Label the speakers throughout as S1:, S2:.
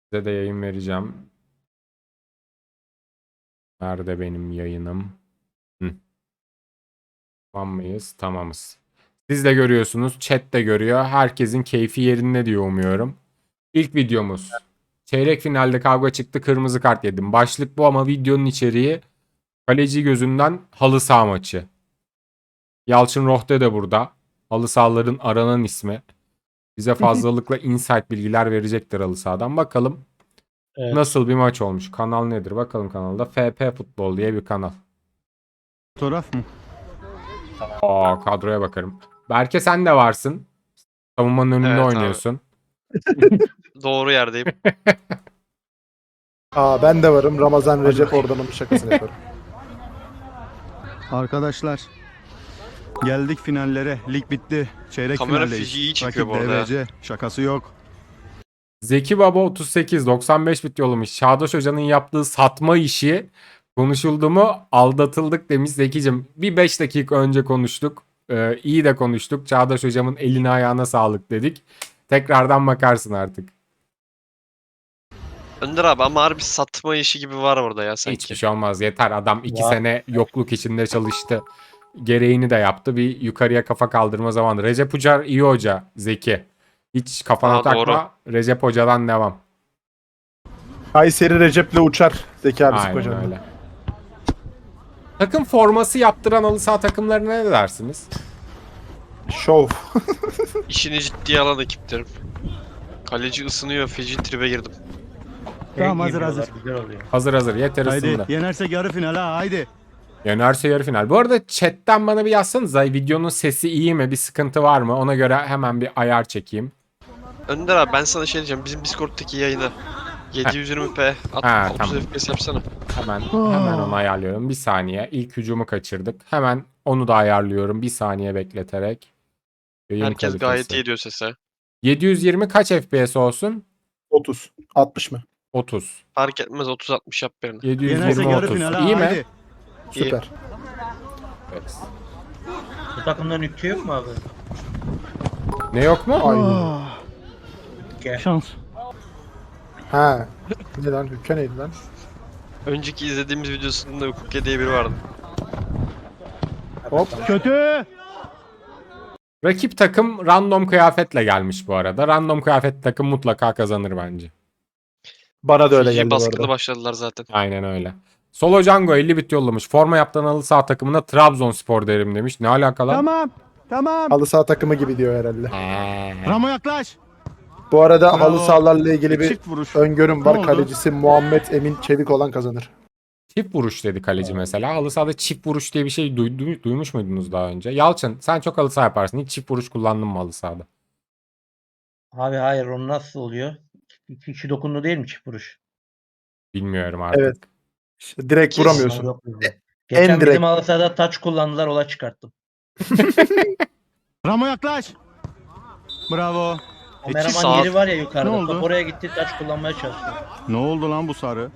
S1: Size de yayın vereceğim. Nerede benim yayınım? Hı. Tamam mıyız? Tamamız. Siz de görüyorsunuz. Chat de görüyor. Herkesin keyfi yerinde diyor umuyorum. İlk videomuz. Çeyrek finalde kavga çıktı. Kırmızı kart yedim. Başlık bu ama videonun içeriği kaleci gözünden halı saha maçı. Yalçın Rohde de burada. Halı sahaların aranan ismi. Bize fazlalıkla insight bilgiler verecektir halı sahadan. Bakalım
S2: Evet.
S1: nasıl bir maç olmuş. Kanal nedir? Bakalım kanalda. FP Futbol diye bir kanal.
S3: Fotoğraf mı?
S1: Aa, kadroya bakarım. Berke sen de varsın. Savunmanın önünde
S4: Evet abi.
S1: oynuyorsun.
S4: Doğru yerdeyim.
S2: Aa, ben de varım. Ramazan Recep Ordan'ın şakasını yaparım.
S3: Arkadaşlar geldik finallere. Lig bitti. Çeyrek
S4: Kamera
S3: finaldeyiz.
S4: fiziği iyi çekiyor
S3: Rakip
S4: bu arada
S3: DVC. Şakası yok.
S1: Zeki Baba 38 95 bit yollamış. Çağdaş Hoca'nın yaptığı satma işi konuşuldu mu? Aldatıldık demiş Zekicim. Bir 5 dakika önce konuştuk. İyi de konuştuk. Çağdaş Hocamın eline ayağına sağlık dedik. Tekrardan bakarsın artık.
S4: Önder abi ama harbi satma işi gibi var orada ya sanki.
S1: Hiçbir şey olmaz. Yeter adam 2
S2: Var.
S1: sene yokluk içinde çalıştı. Gereğini de yaptı. Bir yukarıya kafa kaldırma zamanı. Recep Ucar iyi hoca. Zeki. Hiç kafana
S4: Aa,
S1: takma.
S4: doğru.
S1: Recep Hoca'dan devam.
S2: Kayseri Recep'le uçar. Zeki abi
S1: Aynen
S2: Sıkoca'nın.
S1: öyle. Takım forması yaptıran halı saha takımlarına ne dersiniz?
S2: Şov.
S4: İşini ciddiye alan ekiplerim. Kaleci ısınıyor, feci tribe girdim.
S3: Tamam hazır hazır.
S1: Hazır hazır. Yeter
S3: Haydi
S1: ısındı.
S3: yenersek yarı final ha haydi.
S1: Yenerse yarı final. Bu arada chatten bana bir yazsanıza. Videonun sesi iyi mi? Bir sıkıntı var mı? Ona göre hemen bir ayar çekeyim.
S4: Önder abi ben sana şey diyeceğim. Bizim Discord'daki yayını 720p
S1: Ha,
S4: 30
S1: tamam.
S4: FPS yapsana.
S1: Hemen onu ayarlıyorum. Bir saniye. İlk hücumu kaçırdık. Hemen onu da ayarlıyorum. Bir saniye bekleterek. Yayın
S4: Herkes
S1: kalitesi.
S4: gayet iyi diyor sese.
S1: 720 kaç FPS olsun?
S2: 30. 60 mı?
S1: 30.
S4: Fark etmez 30-60 yap birini.
S1: 720
S3: Yenersek yarı
S1: 30.
S3: final ha
S1: İyi mi?
S3: haydi.
S2: Süper.
S1: Evet.
S5: Bu takımdan ülke yok mu abi?
S1: Ne yok mu?
S2: Aynen.
S5: Ülke.
S3: Şans.
S2: Ha. Ne lan? Hükke neydi lan?
S4: Önceki izlediğimiz videosunda Hukuke diye biri vardı.
S2: Hop.
S3: Kötü.
S1: Rakip takım random kıyafetle gelmiş bu arada. Random kıyafet takım mutlaka kazanır bence.
S2: Bana da öyle
S4: Fiji
S2: geldi bu
S4: baskılı
S2: arada.
S4: başladılar zaten.
S1: Aynen öyle. Solo Django 50 bit yollamış. Forma yaptıran halı saha takımına Trabzonspor derim demiş. Ne alaka lan?
S3: Tamam. Tamam.
S2: Halı saha takımı gibi diyor herhalde.
S3: Ramo yaklaş.
S2: Bu arada
S3: Bravo.
S2: halı sahalarla ilgili bir
S3: Çift vuruş.
S2: öngörüm
S3: Ne
S2: var.
S3: oldu?
S2: Kalecisi Muhammed Emin Çevik olan kazanır.
S1: Çift vuruş dedi kaleci mesela. Halı sahada çift vuruş diye bir şey duymuş muydunuz daha önce? Yalçın sen çok halı saha yaparsın. Hiç çift vuruş kullandın mı halı sahada?
S5: Abi hayır onu nasıl oluyor? İki dokundu değil mi çift vuruş?
S1: Bilmiyorum artık.
S2: Evet. İşte direkt
S4: Kesin.
S2: vuramıyorsun.
S5: Yok bizde. Geçen
S2: direkt.
S5: bizim halı sahada taç kullandılar olay çıkarttım.
S3: Ramo yaklaş. Bravo.
S5: Kameraman
S4: saat-
S5: yeri var ya
S3: Ne
S5: yukarıda.
S3: oldu?
S5: Top oraya gitti taç kullanmaya çalıştı.
S3: Ne oldu lan bu sarı?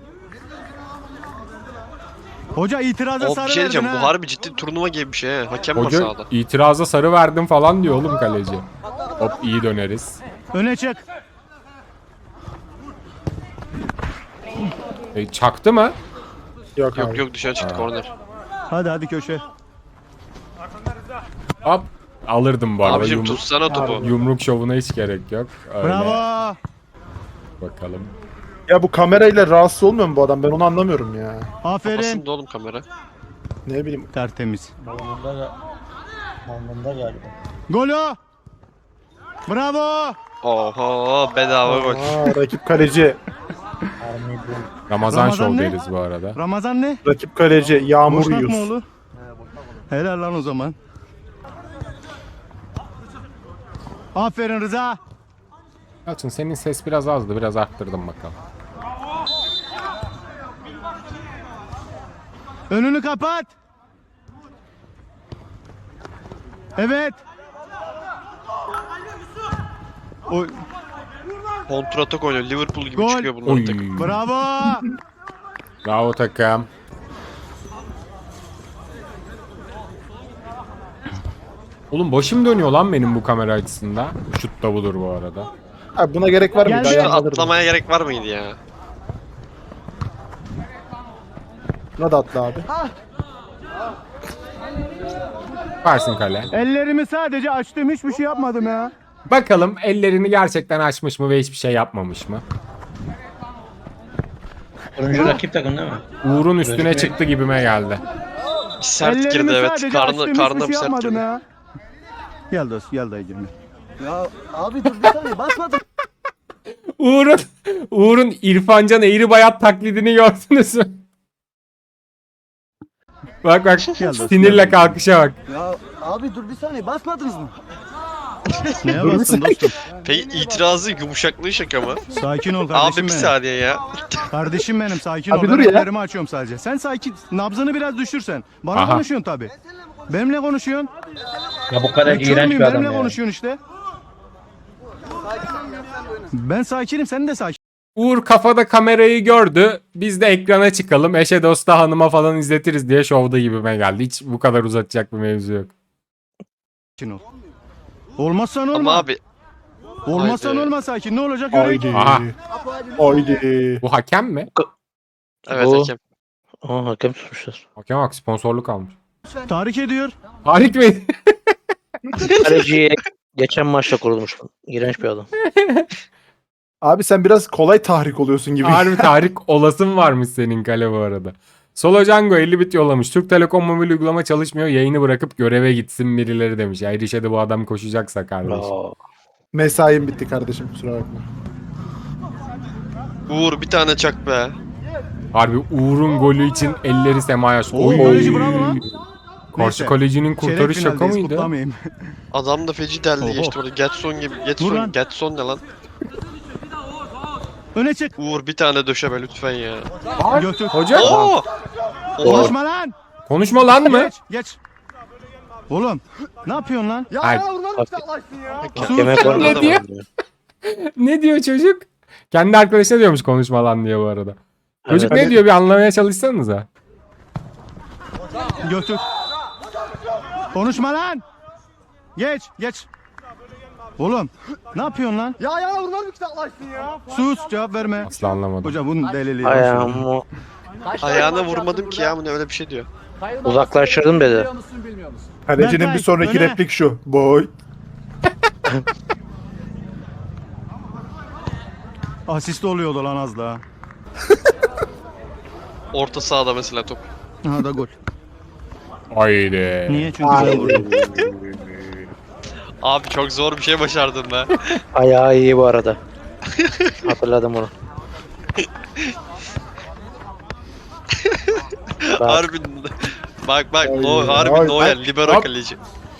S3: Hoca itirazı
S4: O
S3: sarı
S4: bir şey
S3: verdin
S4: diyeceğim. Bu
S3: ha.
S4: harbi ciddi turnuva gibi bir şey he. Hakem var
S1: Hoca
S4: sahada.
S1: itiraza sarı verdim falan diyor oğlum kaleci. Hop iyi döneriz.
S3: Öne çık.
S1: Çaktı mı?
S2: Yok
S4: Yok
S2: abi.
S4: yok dışarı çıktı korner.
S3: Hadi hadi köşe.
S1: Hop. Alırdım bu arada.
S4: Abicim tutsana topu.
S1: Yumruk şovuna hiç gerek yok. Öyle.
S3: Bravo.
S1: Bakalım.
S2: Ya bu kamerayla rahatsız olmuyor mu bu adam? Ben onu anlamıyorum ya.
S3: Aferin.
S4: Kafasında oğlum kamera.
S2: Ne bileyim.
S3: Tertemiz.
S5: Balonda galiba.
S3: Golü. Bravo.
S4: Oho bedava gol.
S2: Aa, rakip kaleci.
S5: Army bu.
S1: Ramazan
S3: Ramazan
S1: şov
S3: ne?
S1: deriz bu arada.
S3: Ramazan ne?
S2: Rakip kaleci Yağmur
S3: Boşnak mı
S2: Yus.
S3: oğlu? Helal lan o zaman. Aferin Rıza.
S1: Yalçın senin ses biraz azdı. Biraz arttırdım bakalım.
S3: Önünü kapat. Evet. Oy.
S4: Kontratak oynuyor. Liverpool gibi
S3: Gol.
S4: çıkıyor bunların
S1: Oy.
S4: takım.
S3: Bravo.
S1: Bravo takım. Oğlum başım dönüyor lan benim bu kamera açısında. Şut da budur bu arada.
S2: Abi buna gerek var mıydı?
S3: Geldi.
S2: Ayağını alırdım.
S4: Atlamaya gerek var mıydı ya?
S2: Buna da atla abi.
S1: Varsın kale.
S3: Ellerimi sadece açtım, hiçbir şey yapmadım ya.
S1: Bakalım ellerini gerçekten açmış mı ve hiçbir şey yapmamış mı?
S5: Turuncu rakip takım değil mi?
S1: Uğur'un üstüne
S5: Gözükmüyor.
S1: çıktı gibime geldi.
S4: Bir sert girdi
S3: Ellerimi
S4: evet.
S3: sadece açtım,
S4: Karnı
S3: hiçbir
S4: bir
S3: şey
S4: sert
S3: yapmadım
S4: girdi.
S3: ya. Gel dost, gel dayı girme.
S1: Uğur'un İrfancan Eğribayat taklidini gördünüz mü? Bak
S3: dostum,
S1: sinirle
S3: gel.
S1: kalkışa bak.
S3: Neye bastın dostum?
S4: Peki itirazı yumuşaklığı şaka mı?
S3: Sakin ol
S4: Abi
S3: kardeşim
S4: bir
S3: benim.
S4: saniye ya.
S3: Kardeşim benim, sakin
S2: Abi
S3: ol.
S2: dur
S3: Ben
S2: ya.
S3: ellerimi açıyorum sadece. Sen sakin, nabzını biraz düşürsen. Bana
S1: Aha.
S3: konuşuyorsun tabi. Benimle konuşuyorsun.
S5: Ya bu kadar
S3: Ben kör
S5: iğrenç
S3: müyüm?
S5: bir adam
S3: Benimle
S5: ya.
S3: konuşuyorsun işte. Ben sakinim, sen de sakin.
S1: Uğur kafada kamerayı gördü. Biz de ekrana çıkalım. Eşe dosta hanıma falan izletiriz diye şovda gibime geldi. Hiç bu kadar uzatacak bir mevzu yok.
S3: Ol. Olmazsan olma.
S4: Ama abi
S3: Olmazsan
S4: Haydi.
S3: olma, sakin. Ne olacak göreyim.
S2: Haydi.
S1: Aha.
S2: Haydi.
S1: Bu hakem mi?
S4: evet
S5: Bu-
S4: hakem.
S5: Aa, hakem tutmuşlar.
S1: Hakem bak sponsorluk almış.
S3: Tahrik ediyor.
S1: Harik miydi?
S5: Kaleciyi geçen maçta kurulmuş. İğrenç bir adam.
S2: Abi sen biraz kolay tahrik oluyorsun gibi.
S1: Harbi Tarık olasın varmış senin kale bu arada. Solo Django 50 bit yollamış. Türk Telekom mobil uygulama çalışmıyor. Yayını bırakıp göreve gitsin birileri demiş. Ya Erişe'de bu adam koşacaksa kardeş.
S5: Aa,
S2: Mesaim bitti kardeşim, kusura bakma.
S4: Uğur bir tane çak be.
S1: Harbi Uğur'un golü için elleri semaya.
S3: Oo, kaleci bravo lan.
S1: Karşı
S3: Neyse.
S1: kalecinin kurtarış
S3: Çeyrek
S1: şaka
S3: finaldeyiz,
S1: mıydı?
S3: kutlamayayım.
S4: Adam da feci deldi
S3: Oho.
S4: geçti orada. Getson gibi.
S3: Dur lan.
S4: Getson ne lan?
S3: Öne çık.
S4: Uğur bir tane döşeme lütfen ya.
S3: Götür.
S1: Hoca
S4: Oo!
S3: Konuşma lan.
S1: konuşma lan mı?
S3: Geç, geç. Oğlum, ne yapıyorsun lan?
S1: Ay,
S5: Hakeme
S3: Sus.
S5: koymadı
S1: Ne diyor?
S5: mı?
S1: ne diyor çocuk? Kendi arkadaşına diyormuş konuşma lan diye bu arada. Çocuk
S5: Evet.
S1: ne diyor bir anlamaya çalışsanıza.
S3: Götür. Konuşma lan. Geç, geç. Oğlum, ne yapıyorsun lan? Ya ayağına vurmaz mı kitaplaşsın ya? Sus, cevap verme.
S1: Asla anlamadım.
S3: Hoca bunun deliliği.
S5: Ayağımı
S4: Ayağına vurmadım ki ya. Bu ne öyle bir şey diyor.
S5: uzaklaştırdım dedi.
S2: Kalecinin
S3: Berkay,
S2: bir sonraki
S3: öne.
S2: replik şu. Boy.
S3: Asist oluyordu lan az daha.
S4: Orta sahada mesela top.
S3: Aha da gol.
S1: Haydi.
S3: Niye? Çünkü ben vurdum.
S4: Abi çok zor bir şey başardın be.
S5: Ayağı iyi bu arada. Hatırladım onu. Bak,
S4: Harbi. Bak
S2: Ay,
S4: no, harbi
S2: ay,
S4: Noel
S1: ay,
S4: libero
S1: hop.
S4: kaleci.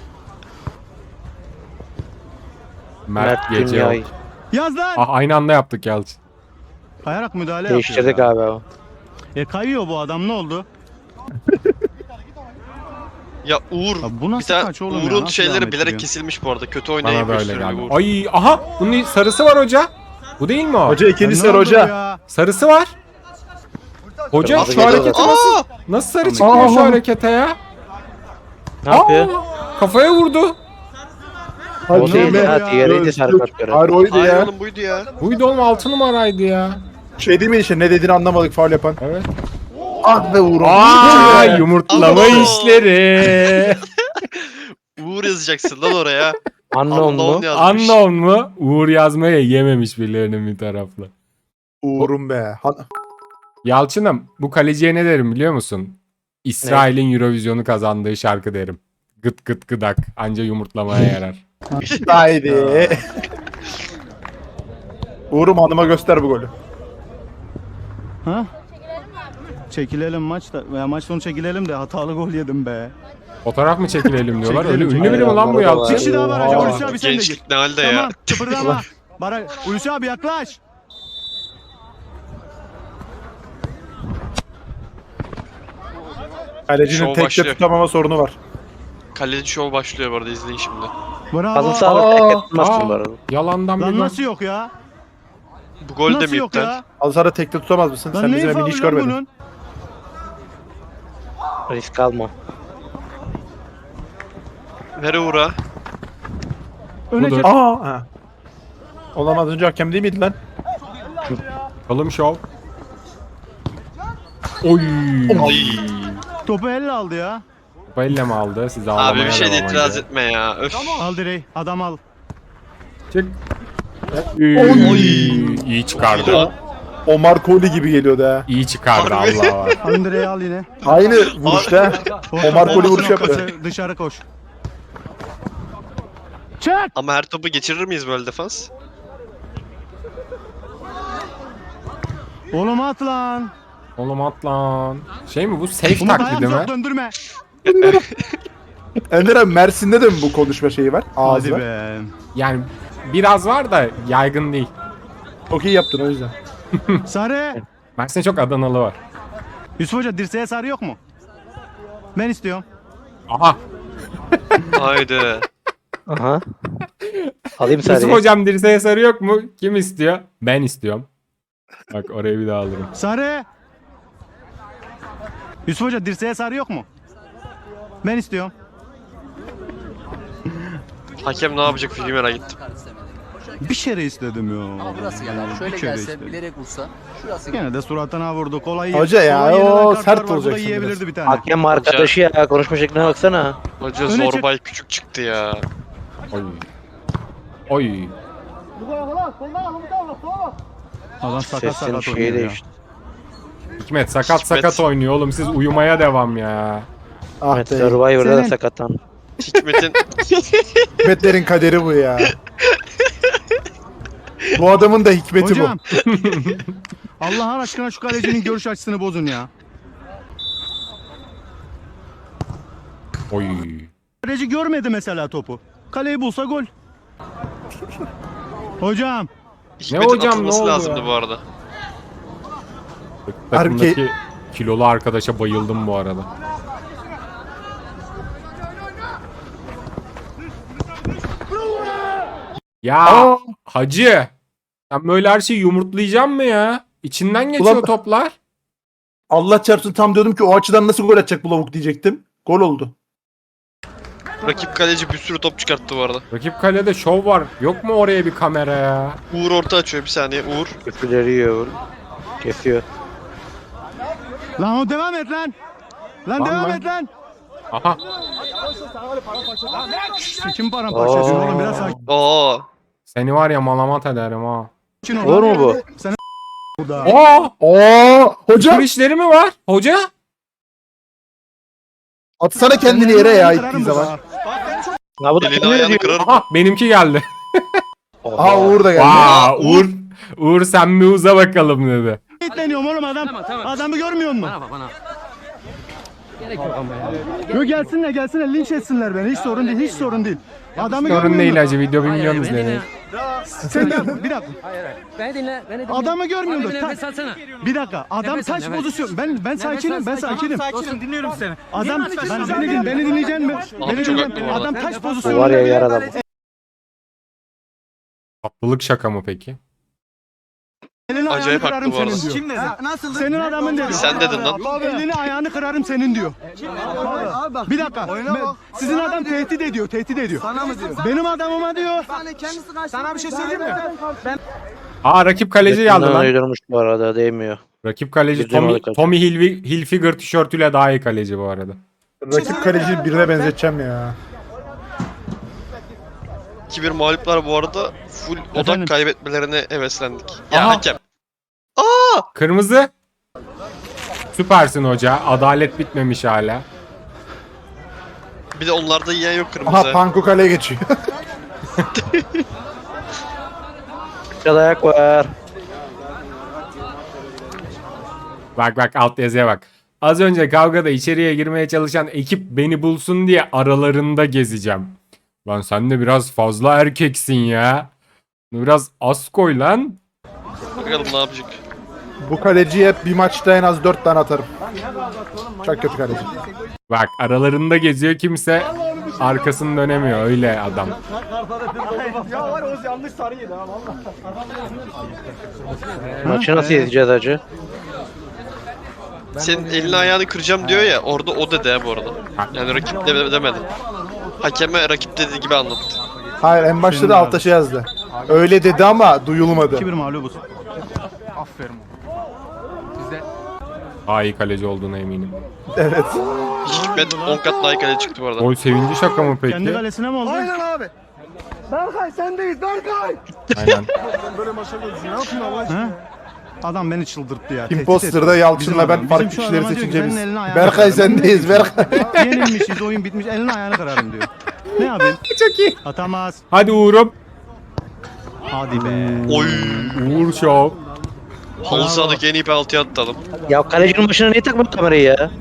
S1: Mert
S5: Mert
S1: gece
S5: Dünya'yı
S1: yok.
S3: Yaz lan.
S1: Ah, aynı anda yaptık Yalçın.
S3: Kayarak müdahale
S5: değiştirdik
S3: yapıyor.
S5: abi o.
S3: Kayıyor bu adam, ne oldu?
S4: Ya Uğur.
S3: Ya bu
S4: Bir
S3: nasıl
S4: tane
S3: kaç oğlum ya?
S4: Uğur'un
S3: Nasıl
S4: şeyleri
S3: devam
S4: bilerek
S3: ettiriyorsun?
S4: kesilmiş bu arada. Kötü
S1: Bana
S4: oynayıp
S1: da öyle
S4: gösteriyor
S1: geldi.
S4: Uğur.
S1: Ay aha bunun sarısı var hoca. Bu değil mi o?
S2: Hoca ikinci
S3: Ya
S2: sıra
S3: ne oldu
S2: hoca.
S3: ya?
S1: Sarısı var. Hoca
S5: Kırmızı
S1: şu
S5: geliyor
S1: hareketi
S5: zaten.
S1: nasıl? Nasıl sarı çıkıyor şu harekete ya?
S5: Ne yapıyor?
S1: Kafaya vurdu.
S2: Hadi
S5: O değil
S2: be.
S5: ha, diğeriydi sarı kart gören.
S2: Hayır oydu
S4: Hayır
S2: ya.
S4: oğlum buydu ya.
S1: Buydu oğlum 6 numaraydı ya.
S2: Şey değil mi işte, ne dediğini anlamadık faul yapan.
S1: Evet.
S2: Ah be Uğur'um.
S1: Aa yumurtlama
S4: Abo.
S1: işleri.
S4: Uğur yazacaksın lan oraya.
S5: Unknown mu?
S4: Unknown yazmış.
S1: Unknown mu? Uğur yazmaya yememiş birilerinin bir taraflı.
S2: Uğur'um be.
S1: Yalçın'ım bu kaleciye ne derim biliyor musun? İsrail'in Eurovision'u kazandığı şarkı derim. Gıt gıt gıdak. Anca yumurtlamaya yarar.
S2: Haydi. Uğur'um hanıma göster bu golü.
S3: Ha? Çekilelim maçta. Veya maç sonu çekilelim de hatalı gol yedim be.
S1: Fotoğraf mı çekilelim diyorlar. Öyle
S3: Çekilelim,
S1: ünlü biri mi lan bu
S5: çekilelim.
S1: Yalçın?
S3: Bir kişi daha var hocam. Hulusi abi sen de gir.
S4: Gençlik ne halde ya.
S3: Tamam, kıpırdama. Hulusi abi yaklaş.
S2: Kalecinin
S4: Şov
S2: tekte
S4: başlıyor.
S2: tutamama sorunu var.
S4: Kaleci show başlıyor bu arada izleyin şimdi.
S3: Bravo.
S5: Kadın sağlık tek tutmazsın
S1: aa.
S5: bu arada.
S1: Yalandan bir
S3: Lan
S1: gol.
S3: nasıl yok ya?
S4: Bu gol de
S3: Nasıl
S4: mi
S3: yok
S4: iptal?
S3: ya?
S2: Al sana tekte tutamaz mısın?
S3: Lan
S2: Sen
S3: neyi
S2: bizim evini
S3: faul
S2: hiç
S3: lan
S2: görmedin.
S3: bunun?
S5: Risk alma.
S4: Ver Uğur'a.
S3: Öne
S1: Budur.
S3: çek.
S2: Aa. Ha. Olamaz, önce hakem değil miydi lan?
S1: Bakalım şov. Oy.
S3: Topu elle aldı ya.
S1: Topu elle mi aldı? Siz ağlamaya
S4: Abi bir şey de
S1: devam
S4: itiraz
S1: edin.
S4: etme ya. Öf.
S3: Al direği. Adam al.
S1: Çık.
S4: Oy.
S1: İyi çıkardı.
S4: Oy.
S2: O Marcoli gibi geliyordu ha.
S1: İyi çıkardı
S4: Harbi.
S1: Allah var.
S3: Al direği al yine.
S2: Aynı vuruşta. Omar golü vuruş
S3: noktası,
S2: yapıyor.
S3: Dışarı koş. Çek.
S4: Ama her topu geçirir miyiz böyle defans?
S3: Oğlum at lan.
S1: Oğlum at lan. Şey mi bu? Safe
S3: Umut ayağım
S1: taklidi mi?
S3: çok döndürme.
S2: Ender abi Mersin'de de mi bu konuşma şeyi var?
S3: Hadi
S2: Ağzı var.
S3: be.
S1: Yani biraz var da yaygın değil.
S2: Çok iyi yaptın o yüzden.
S3: Sarı.
S1: Mersin'de çok Adanalı var.
S3: Yusuf Hoca dirseğe sarı yok mu? Ben istiyorum.
S1: Aha.
S4: Haydi.
S6: Aha. Alayım
S1: Yusuf
S6: sarıyı.
S1: hocam dirseğe sarı yok mu? Kim istiyor? Ben istiyorum. Bak oraya bir daha alırım.
S3: Sarı. Yusuf Hoca dirseğe sarı yok mu? Ben istiyorum.
S4: Hakem ne yapacak filmi merak ettim.
S3: Bir kere istedim ya.
S7: Ama burası gel abi. Şöyle
S3: Bir kere
S7: gelse
S3: istedim.
S7: bilerek vursa. Şurası gel.
S3: Gene de suratına vurdu. Kolay
S2: Hoca ya,
S3: kolay yenen
S2: o
S3: kartlar
S2: sert
S3: var, bu da
S2: olacaksın
S3: yiyebilirdi
S2: biraz.
S3: bir tane.
S6: Hakem arkadaşı ya. Konuşma şekline baksana.
S4: Hoca
S3: Öne çık.
S4: Zorbay küçük çıktı ya.
S1: Oy. Oy.
S3: Adam sakat
S6: Sesin
S3: sakat
S6: şeyi
S3: oynuyor ya.
S6: değişti.
S1: Hikmet sakat
S4: Hikmet.
S1: sakat oynuyor oğlum. Siz uyumaya devam ya.
S2: Ah
S6: Evet,
S2: be.
S6: Survivor'da da
S3: Senin-
S6: sakatlan.
S4: Hikmet'in
S2: Hikmetlerin kaderi bu ya. Bu adamın da hikmeti
S3: Hocam. Allah'ın aşkına şu kalecinin görüş açısını bozun ya.
S1: Oy.
S3: Kaleci görmedi mesela topu. Kaleyi bulsa gol. Hocam.
S4: Hikmet'in
S1: hocam,
S4: atılması
S1: ne oldu
S4: lazımdı
S1: ya?
S4: bu arada.
S1: Takımdaki kilolu arkadaşa bayıldım bu arada. Ya
S2: Aa!
S1: hacı. Sen böyle her şeyi yumurtlayacak mı ya? İçinden geçiyor
S2: Ulan-
S1: toplar.
S2: Allah çarpsın, tam diyordum ki o açıdan nasıl gol atacak bu lavuk diyecektim. Gol oldu.
S4: Rakip kaleci bir sürü top çıkarttı bu arada.
S1: Rakip kalede şov var. Yok mu oraya bir kamera ya?
S4: Uğur orta açıyor bir saniye. Uğur.
S6: Küfürleri yiyor. Kesiyor.
S3: Lan o devam et lan. Lan
S1: Var
S3: devam
S1: mı?
S3: et lan.
S1: Aha.
S3: Kim paramparça ediyorsun
S6: Oo.
S3: oğlum biraz sakin
S4: Oo.
S1: Seni var ya malamat ederim ha.
S3: ol.
S6: Olur mu bu?
S3: Sen burada.
S1: Aa!
S2: Oo hocam,
S1: Tur işleri mi var? Hoca?
S2: atsana kendini yere ya ittiği zaman.
S6: Ha bu da
S4: Elini
S6: kim
S4: ayağını
S6: diyor?
S4: kırarım.
S1: Aha benimki geldi.
S2: Aha Uğur da geldi.
S1: Aa, Uğur sen bir uza bakalım dedi.
S3: İtleniyorum oğlum adam. Adamı görmüyor musun?
S7: Bana bak bana. Gerek yok ama ya.
S3: Yok gelsinler linç etsinler beni. Hiç sorun değil, hiç sorun değil. Adamı
S1: Sorun
S3: görmüyor
S1: değil
S3: musun?
S1: hacı video
S7: Hayır,
S1: milyon
S7: hayır, beni dinle.
S1: izleniyor.
S3: Sen bir dakika.
S7: Hayır hayır. Beni dinle. Beni dinle.
S3: Adamı görmüyorsun.
S7: Abi bir
S3: Ta-
S7: nefes alsana.
S3: Bir dakika. Adam
S7: Nefes al,
S3: taş
S7: nefes.
S3: pozisyon. Ben sakinim. Ben sakinim.
S8: Sakinim dinliyorum seni.
S3: Adam beni dinleyecek mi?
S4: Abi
S3: Beni
S4: çok
S3: dinle.
S4: haklı bu arada.
S3: Adam taş
S6: Bu
S3: pozisyonu.
S6: var ya yaralı.
S1: Tatlılık şaka mı peki?
S3: Elini ayağını
S4: Acayip haklı
S3: kırarım
S4: bu arada.
S3: senin diyor.
S8: Kim dedi? Nasıl?
S3: Senin adamın dedi.
S4: Sen dedin lan.
S3: Elini ayağını kırarım senin diyor.
S8: Abi bak.
S3: Bir dakika. Sizin adam tehdit ediyor. Tehdit ediyor.
S8: Sana mı diyor?
S3: Benim adamıma diyor.
S8: Sana bir şey söyleyeyim mi?
S1: Aa rakip kaleci geldi
S6: Yakından
S1: lan.
S6: uydurmuş bu arada değmiyor.
S1: Rakip kaleci
S6: Gireceğim
S1: Tommy,
S6: arada.
S1: Tommy Hilfiger tişörtüyle daha iyi kaleci bu arada.
S2: Rakip kaleciyi birine benzeteceğim ya.
S4: 2-1 mağluplar bu arada full odak
S3: Efendim?
S4: kaybetmelerine heveslendik. Ya
S1: Aha.
S4: hakem.
S1: Kırmızı. Süpersin hoca. Adalet bitmemiş hala.
S4: Bir de onlarda yiyen yok kırmızı.
S2: Aha Panko kaleye geçiyor.
S6: Biraz ayak var.
S1: Bak alt yazıya bak. Az önce kavgada içeriye girmeye çalışan ekip beni bulsun diye aralarında gezeceğim. Lan sen de biraz fazla erkeksin ya. Bunu biraz az koy lan.
S4: Bakalım ne yapacak.
S2: Bu kaleciye hep bir maçta en az 4 tane atarım. Çok kötü kaleci.
S1: Bak aralarında geziyor kimse arkasını dönemiyor öyle adam.
S6: Maçı nasıl izleyeceğiz hacı?
S4: Senin elini ayağını kıracağım diyor ya orada o dedi ha bu arada. Yani rakip demedi. Hakeme rakip dediği gibi anlattı.
S2: Hayır, en başta da altta şey yazdı. Öyle dedi ama duyulmadı.
S3: 2-1 mağlubuz.
S8: Aferin.
S1: Daha iyi kaleci olduğuna eminim.
S2: Evet.
S4: Hikmet 10 kat daha iyi kaleci çıktı bu arada.
S1: Gol sevinci şaka mı peki?
S3: Kendi kalesine mi oldu?
S8: Aynen abi. Berkay sendeyiz Berkay.
S1: Aynen.
S8: Böyle maça gelsin. Ne yapıyorsun Allah aşkına?
S3: He? Adam beni çıldırttı ya. tehdit
S2: Imposter'da
S3: etti.
S2: Yalçın'la
S3: Bizim
S2: ben
S3: adam.
S2: farklı
S3: Bizim şu
S2: kişileri
S3: adama diyor ki,
S2: seçince biz.
S3: senin elini ayağını
S2: Berkay
S3: kırarım.
S2: sendeyiz Berkay.
S3: Yenilmişiz, oyun bitmiş, elini ayağını kırarım diyor. Ne yapayım?
S1: Çok iyi.
S3: Atamaz.
S1: Hadi Uğur'um.
S3: Hadi be.
S4: Oy.
S1: Uğur Show.
S4: Halı sahadaki en iyi penaltıyı attı adam.
S6: Ya kalecinin başına niye takmadın kamerayı ya?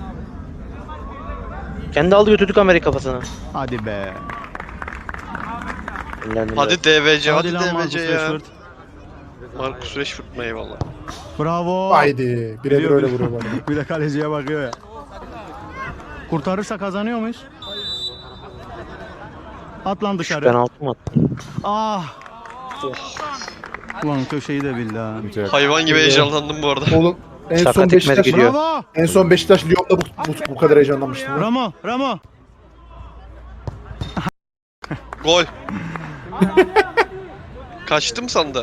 S6: Kendi aldı götürdü kamerayı kafasına.
S3: Hadi be.
S6: Dinlendim
S4: Hadi DVC, hadi
S3: lan Marcus
S4: DVC ya.
S3: Rashford.
S4: Marcus Rashford mu eyvallah.
S3: Bravo.
S2: Haydi. Birebir öyle vuruyor bana.
S3: Bir de kaleciye bakıyor ya. Kurtarırsa kazanıyor muyuz? At lan
S6: biraz.
S3: dışarı.
S6: Penaltı mı attın?
S3: Ah. Ulan köşeyi de bildi ha.
S4: Hayvan gibi heyecanlandım bu arada.
S2: Oğlum en son
S6: Sakat
S2: Beşiktaş
S6: etmedik gidiyor.
S3: Bravo.
S2: en son Beşiktaş Lyon'da bu kadar heyecanlanmıştım. ya.
S3: Ramo, Ramo.
S4: Gol. Kaçtım sandı.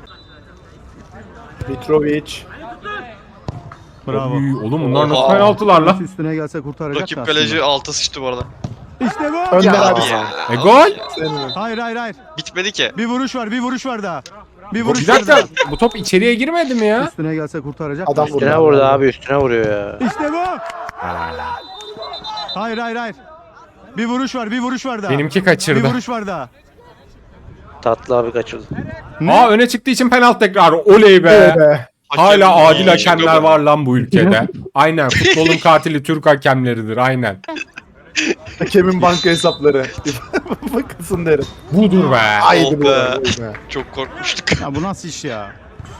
S2: Mitrovic.
S3: Bravo.
S1: Uy, oğlum bunlar nasıl
S4: Oha.
S1: penaltılar lan?
S3: Üstüne gelse kurtaracak
S4: Rakip
S3: da
S4: kaleci
S3: aslında.
S4: alta sıçtı bu arada.
S3: İşte bu.
S2: Önder
S4: Ya
S2: abi.
S4: abi ya.
S1: Gol.
S3: Hayır hayır hayır.
S4: Bitmedi ki.
S3: Bir vuruş var, bir vuruş var daha. Bir
S1: Bir
S3: vuruş var
S1: dakika.
S3: daha.
S1: Bu top içeriye girmedi mi ya?
S3: Üstüne gelse kurtaracak.
S2: Adam
S3: da.
S2: vurdu.
S6: Üstüne vurdu abi üstüne vuruyor ya.
S3: İşte bu. Hayır hayır hayır. Bir vuruş var, bir vuruş var daha.
S1: Benimki
S3: Bir
S1: kaçırdı.
S3: vuruş var daha.
S6: Tatlı abi kaçırdı.
S3: Ne?
S1: Aa öne çıktığı için penaltı tekrarı. Oley be.
S2: Evet be.
S1: Hala
S4: Hakem-
S1: adil hakemler var lan bu ülkede. Aynen. Futbolun katili Türk hakemleridir. Aynen.
S2: Hakemin banka hesapları. Bakasın derim.
S1: Budur be.
S2: Haydi
S4: Oh
S2: bu.
S4: be.
S2: Be.
S4: Çok korkmuştuk.
S3: Ya bu nasıl iş ya?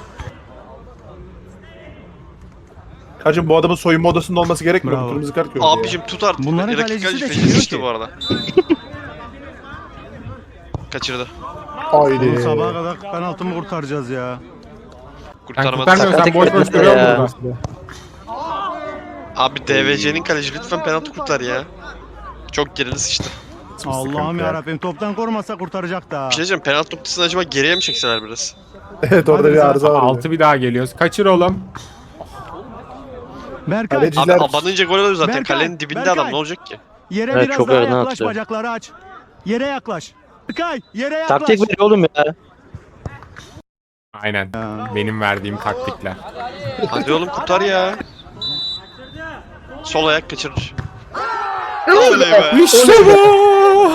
S2: Hacım bu adamın soyunma odasında olması gerekmiyor mu?
S3: Bravo.
S2: Kırmızı kart gördü
S4: Abicim tut artık.
S3: Bunların
S4: Rakip
S3: kalecisi
S4: kaleci
S3: de
S4: feci
S3: çıkıyor
S4: sıçtı
S3: ki.
S4: bu arada. Kaçırdı.
S2: ya. Haydi.
S3: Bunu sabaha kadar penaltımı kurtaracağız ya.
S1: Sen
S4: Kurtarmadı.
S1: kurtarmıyorsan
S6: Sakat
S1: boş boş
S6: etmedi
S1: duruyor
S6: ya.
S1: burada.
S4: Abi DVC'nin kaleci lütfen penaltı kurtar ya. Çok geride sıçtı.
S3: Allah'ım ya Rabbim toptan korumasa kurtaracak da.
S4: Bir şey diyeceğim, penaltı noktasını acaba geriye mi çekseler biraz?
S2: Evet orada
S3: Hadi
S2: bir
S3: sen-
S2: arıza var.
S1: Altı bir daha geliyoruz. Kaçır oğlum.
S3: Berkay
S2: Kaleci-
S4: Abi
S2: Bizler-
S4: abanınca gol oluyor zaten.
S3: Berkay,
S4: Kalenin dibinde
S3: Berkay.
S4: adam, ne olacak ki?
S3: yere
S6: Evet,
S3: biraz
S6: çok
S3: daha
S6: yerden
S3: yaklaş,
S6: atıyor.
S3: bacakları aç. Yere yaklaş. Berkay yere yaklaş.
S6: Taktik veriyor oğlum ya.
S1: Aynen. Benim verdiğim taktikler.
S4: Hadi oğlum kurtar ya. Sol ayak kaçırır. Oley be.
S1: İşte bu.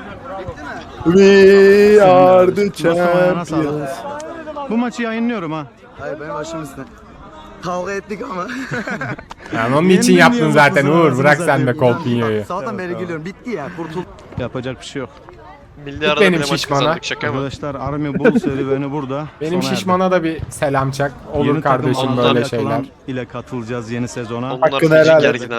S2: We are the
S3: Dostum ayağına sağlık.
S2: champions.
S3: Bu maçı yayınlıyorum ha.
S8: Hayır benim başım üstüne. Kavga ettik ama.
S1: Yani onun için
S3: Yendim
S1: yaptın
S3: diye
S1: zaten
S3: mutlusun
S1: Uğur.
S3: anasını
S1: Bırak sen de
S3: satayım.
S1: Kolpinyo'yu.
S8: Sabahtan beri gülüyorum. Bitti ya. Kurtul.
S3: Yapacak bir şey yok.
S4: Milli
S1: Tut
S4: arada
S1: benim
S4: bile maç
S1: şişmana.
S4: kazandık, şaka mı?
S3: Arkadaşlar Army Bull serüveni burada.
S1: Benim
S3: sona erdi.
S1: şişmana da bir selam çak. Olur
S3: Yeni takım
S1: kardeşim
S4: Ondan
S1: böyle
S3: Antalya
S1: şeyler.
S3: Klan ile katılacağız yeni sezona.
S4: Onlar
S2: Hakkını
S4: feci
S2: helal et.
S4: gergin